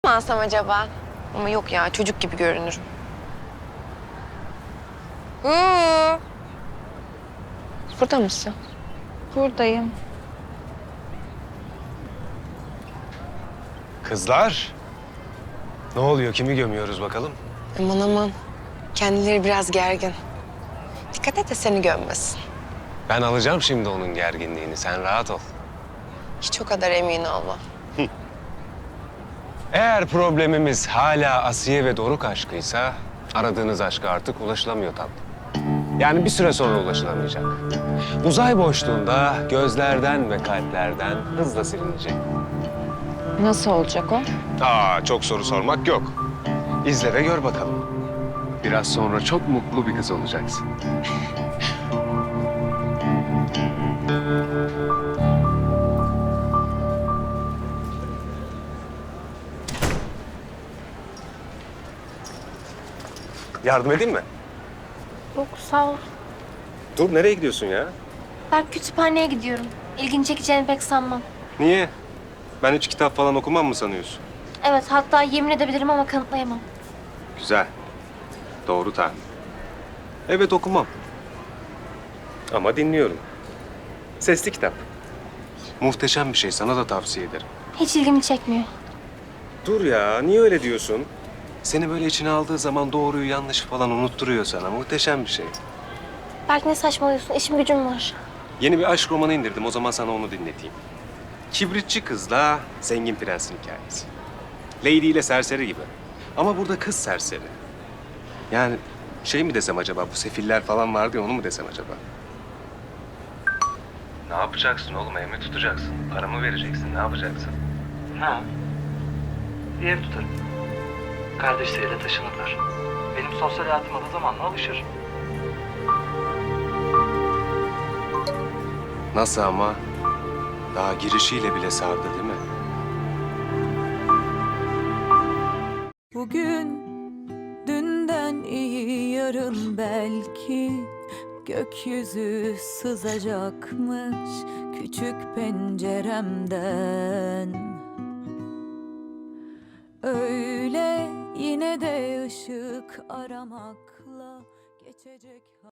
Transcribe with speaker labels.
Speaker 1: mı alsam acaba? Ama yok ya, çocuk gibi görünürüm. Burada mısın?
Speaker 2: Buradayım.
Speaker 3: Kızlar, ne oluyor? Kimi gömüyoruz bakalım?
Speaker 1: Aman aman. Kendileri biraz gergin. Dikkat et de seni gömmesin.
Speaker 3: Ben alacağım şimdi onun gerginliğini. Sen rahat ol.
Speaker 1: Hiç o kadar emin olma.
Speaker 3: Eğer problemimiz hala Asiye ve Doruk aşkıysa... aradığınız aşka artık ulaşılamıyor tatlım. Yani bir süre sonra ulaşılamayacak. Uzay boşluğunda gözlerden ve kalplerden hızla silinecek.
Speaker 2: Nasıl olacak o?
Speaker 3: Çok soru sormak yok. İzle ve gör bakalım. Biraz sonra çok mutlu bir kız olacaksın. Yardım edeyim mi?
Speaker 4: Yok sağ ol.
Speaker 3: Dur, nereye gidiyorsun ya?
Speaker 4: Ben kütüphaneye gidiyorum. İlgini çekeceğini pek sanmam.
Speaker 3: Niye? Ben hiç kitap falan okumam mı sanıyorsun?
Speaker 4: Evet hatta yemin edebilirim ama kanıtlayamam.
Speaker 3: Güzel. Doğru tahmin. Evet, okumam. Ama dinliyorum. Sesli kitap. Muhteşem bir şey. Sana da tavsiye ederim.
Speaker 4: Hiç ilgimi çekmiyor.
Speaker 3: Dur ya. Niye öyle diyorsun? Seni böyle içine aldığı zaman doğruyu yanlışı falan unutturuyor sana. Muhteşem bir şey.
Speaker 4: Belki ne saçmalıyorsun? İşim gücüm var.
Speaker 3: Yeni bir aşk romanı indirdim. O zaman sana onu dinleteyim. Kibritçi kızla zengin prensin hikayesi. Lady ile serseri gibi. Ama burada kız serseri. Yani şey mi desem acaba? Bu sefiller falan vardı ya, onu mu desem acaba? Ne yapacaksın oğlum? Ev mi tutacaksın? Para mı vereceksin? Ne yapacaksın?
Speaker 5: Ha. Bir ev tutarım. Kardeşleriyle taşınırlar. Benim sosyal hayatıma da zamanla alışır.
Speaker 3: Nasıl ama? Daha girişiyle bile sardı değil mi?
Speaker 6: Bugün dünden iyi, yarın belki gökyüzü sızacakmış küçük penceremden. Öyle yine de ışık aramakla geçecek.